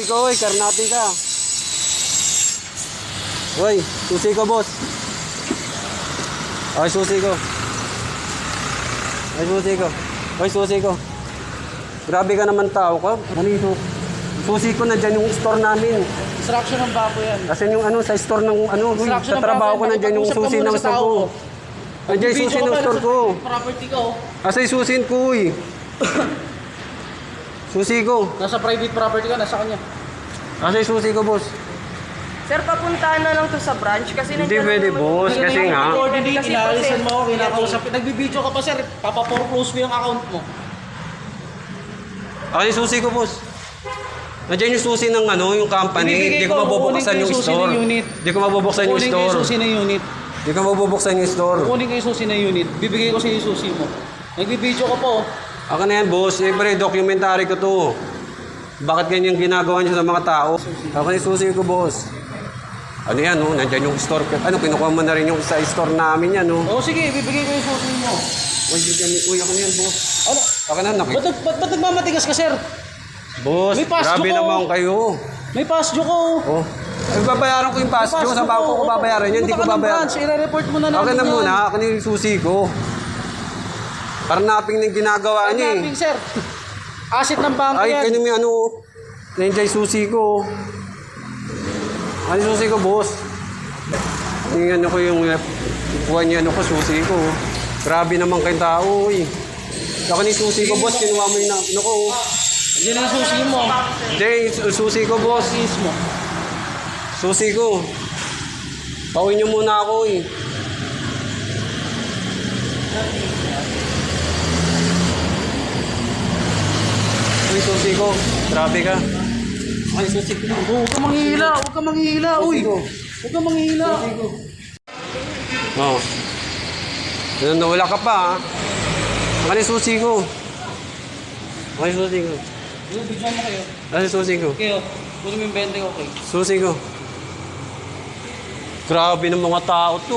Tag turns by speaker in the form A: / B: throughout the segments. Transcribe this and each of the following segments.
A: Ikaw, karnati ka. Uy, susi ko, boss. Ay, susi ko. Ay, susi ko. Ay, susi ko. Grabe ka naman tao ka. Ano susi ko na dyan yung store namin.
B: Instruction ng bako yan.
A: Kasi yung ano, sa store ng ano, sa trabaho ko na dyan yung susi ng store ko. Andiyan yung susi ng store ko.
B: Property ko.
A: Asa yung susin ko, uy. Susi ko.
B: Nasa private property ka, nasa kanya.
A: Asa yung susi ko, boss.
C: Sir, papuntahan na lang to sa branch kasi
A: Hindi pwede, boss. Kasi nga.
B: Coordinate, inaalisan mo ako, kinakausap. Nagbibideo ka pa, sir. Papaporclose mo yung account mo.
A: Asa yung susi ko, boss. Nandiyan yung susi ng ano, yung company. Hindi ko mabubuksan yung store. Hindi ko mabubuksan yung store.
B: Kukunin ko yung susi ng unit.
A: Hindi ko mabubuksan yung store.
B: Kukunin ko yung susi ng unit. Bibigay ko sa yung susi mo. Nagbibideo ka po.
A: Ako na yan, boss. Siyempre, documentary ko to. Bakit ganyan ginagawa niyo sa mga tao? Ako na yung susi ko, boss. Ano yan, no? Nandiyan yung store ko. Ano, kinukuha mo na rin yung sa store namin yan, no?
B: Oo, sige. Bibigay ko yung susi mo.
A: Uy, ako na yan, boss.
B: Ano?
A: Ako na, nakita.
B: Ba't nagmamatigas ka, sir?
A: Boss,
B: May pass
A: grabe
B: dyo ko.
A: naman kayo.
B: May pass dyo ko.
A: Oh. Ay, babayaran ko yung pass dyo. Sa bako ko babayaran yan. Hindi ko babayaran.
B: I-report mo na namin
A: Okay na
B: yan.
A: muna. Ako na yung susi ko. Karnaping na yung ginagawa niya eh.
B: Karnaping, sir. Asset ng bangko
A: Ay,
B: yan.
A: kanya may ano. Nandiyan yung susi ko. Ano yung susi ko, boss? Yung ano ko yung kuha niya ano ko, susi ko. Grabe naman kayong tao eh. Ako na yung susi ko, boss. Kinuha mo yung ano ko.
B: Yan ang susi mo.
A: Hindi, susi ko, boss.
B: Susi mo.
A: Susi ko. Pauwi niyo muna ako eh. Uy, susi ko. Grabe ka. Ay, susi ko.
B: Huwag kang manghihila. Huwag kang manghihila. Uy. Huwag kang manghihila.
A: Oo. Oh. Nawala ka pa ha. Ano yung susi ko? Ano yung susi ko?
B: Video mo kayo.
A: Ano yung susi ko?
B: Kayo. Kunin mo yung 20 ko, okay.
A: Susi ko. Grabe ng mga tao to.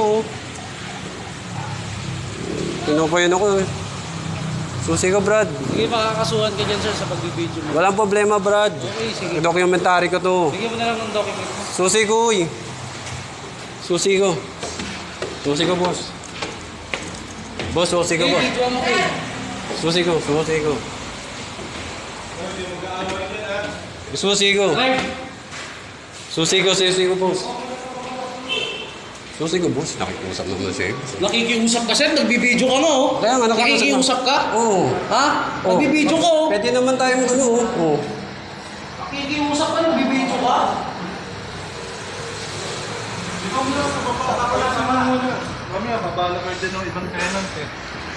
A: Pinupayan ako eh. Susi ko, Brad.
B: Sige, makakasuhan ka dyan, sir, sa pagbibideo mo.
A: Walang problema, Brad.
B: Okay, sige.
A: Documentary ko to.
B: Bigyan mo na lang ng document mo.
A: Susi ko, uy. Susi ko. Susi ko, boss. Boss, susi ko,
B: Okay,
A: boss.
B: video mo kayo.
A: Susi ko, susi ko. Susi ko.
B: Live.
A: Susi ko, boss. Susi ko, boss. Nakikiusap naman siya.
B: Nakikiusap ka, sir. Nagbibideo ka na, oh.
A: Kaya nga,
B: nakikiusap ka?
A: Oo.
B: Ha? Nagbibideo ka, oh.
A: Pwede naman tayo mag ano, oh.
B: Nakikiusap ka, nagbibideo ka?
D: Mamaya, mabala kayo din ng ibang tenant eh.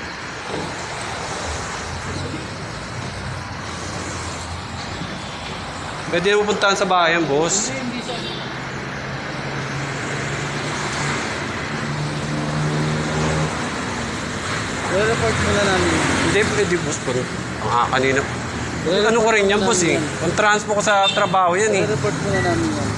A: Pwede naman puntahan sa bayan, boss.
B: Hindi, sir. I-report mo na namin.
A: Hindi, pwede, boss. Pero, kanina. Ano ko rin yan, boss, eh. Ang transpo ko sa trabaho yan, eh.
B: I-report mo na namin yan.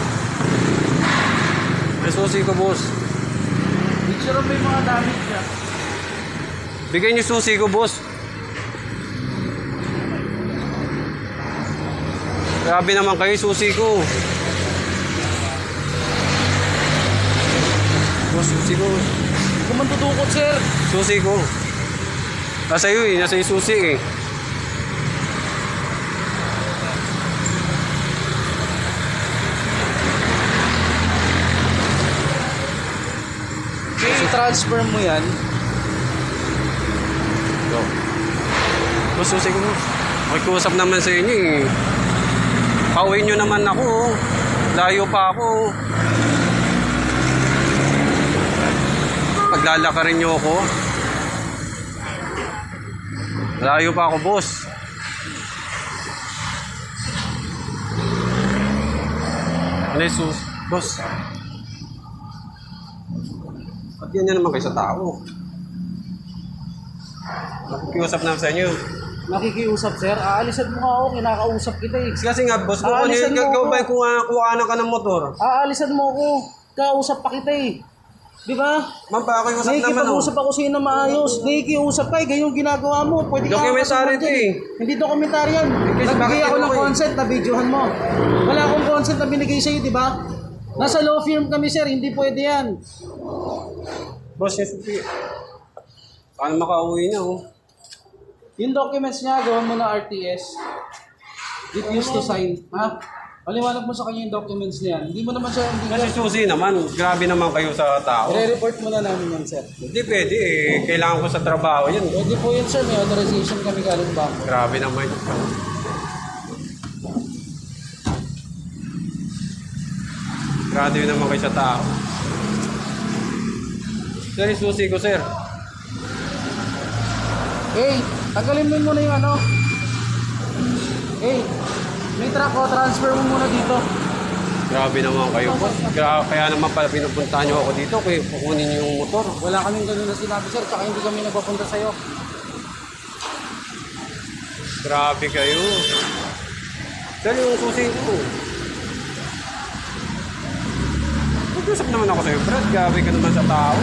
A: Ay, susi ko, boss.
B: Picture mo yung mga damage niya.
A: Bigay niyo susi ko, boss. Grabe naman kayo, susi ko. Boss, susi ko.
B: Huwag ka man tutukot, sir.
A: Susi ko. Nasa iyo eh, nasa iyo susi eh.
B: I-transfer mo yan.
A: Go. Boss, susi ko, boss. Makikusap naman sa inyo eh. Pauwi nyo naman ako. Layo pa ako. Paglalakarin nyo ako. Layo pa ako, boss. Ano yung sus? Boss. Ba't ganyan naman kayo sa tao? Nakikiusap naman sa inyo.
B: Nakikiusap, sir. Aalisan mo nga ako. Kinakausap kita eh.
A: Kasi nga, boss, kung
B: Aalisan mo
A: ikaw
B: ako.
A: ba kuha ka ng motor?
B: Aalisan mo ako. Kausap pa kita eh. Di ba?
A: Ma'am, pakiusap naman oh.
B: Nakikipag-usap ako sa'yo na maayos. Nakikiusap ka, gayong ginagawa mo. Pwede ka
A: Documentary
B: makasuhan
A: to
B: dyan
A: eh.
B: Hindi documentary yan.
A: Kasi
B: Nagbigay
A: bakit
B: ako ng
A: ako eh?
B: consent na videohan mo. Wala akong consent na binigay sa'yo, di ba? Nasa law firm kami, sir. Hindi pwede yan.
A: Boss, yung susi. Paano makauwi niya oh?
B: Yung documents niya, gawin mo na RTS. Refuse to sign. Ha? Paliwanag mo sa kanya yung documents niya. Hindi mo naman siya,
A: Kasi susi naman, grabe naman kayo sa tao.
B: I-report mo na namin yan, sir.
A: Hindi pwede eh. Kailangan ko sa trabaho yan.
B: Pwede po yun, sir. May authorization kami galing bangko.
A: Grabe naman. Grabe naman kayo sa tao. Sir, yung susi ko, sir.
B: Hey, tagalin mo muna yung ano. Hey, may truck ko, transfer mo muna dito.
A: Grabe naman kayo, boss. Kaya naman pala pinupuntahan niyo ako dito kaya kukunin niyo yung motor.
B: Wala kaming ganun na sinabi, sir. Tsaka hindi kami nagpapunta sa'yo.
A: Grabe kayo. Sir, yung susi ko. Mag-usap naman ako sa'yo, Brad. Grabe ka naman sa tao.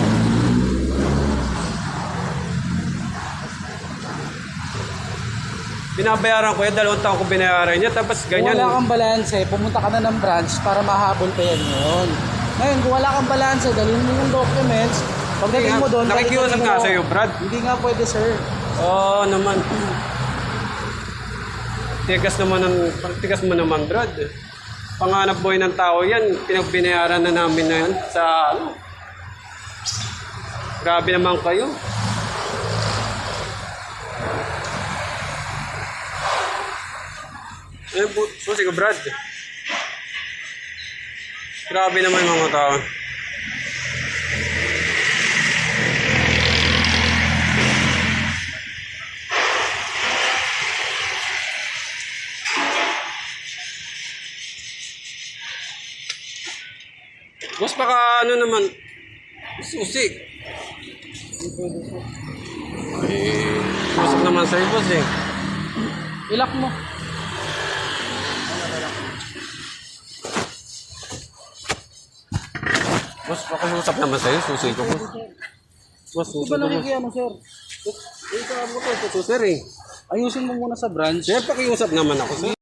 A: Binabayaran ko yan, 2 taon ko binayaran niya, tapos
B: Kung
A: ganyan.
B: wala kang balanse, pumunta ka na ng branch para mahabol pa yan yun. Ngayon, kung wala kang balanse, dalhin mo yung documents. Pagdating mo doon,
A: Nakikiusap
B: balik-balik
A: nga
B: mo.
A: sa'yo, Brad.
B: Hindi nga pwede, sir.
A: Oo naman. Tigas mo naman, Brad. Panganap buhay ng tao yan, pinagbinayaran na namin na yan sa ano. Grabe naman kayo. Susi ko, Brad. Grabe naman mga tao. Boss, baka ano naman, susi. Usap naman sa'yo, boss eh.
B: Ilak mo.
A: Boss, baka usap naman sa'yo, susi ko, boss. Boss,
B: Di
A: susi
B: ba
A: ko, boss.
B: nakikiyano, sir?
A: Ito mo ko, susi eh.
B: Ayusin mo muna sa branch.
A: Sir, pakiusap naman ako, sir.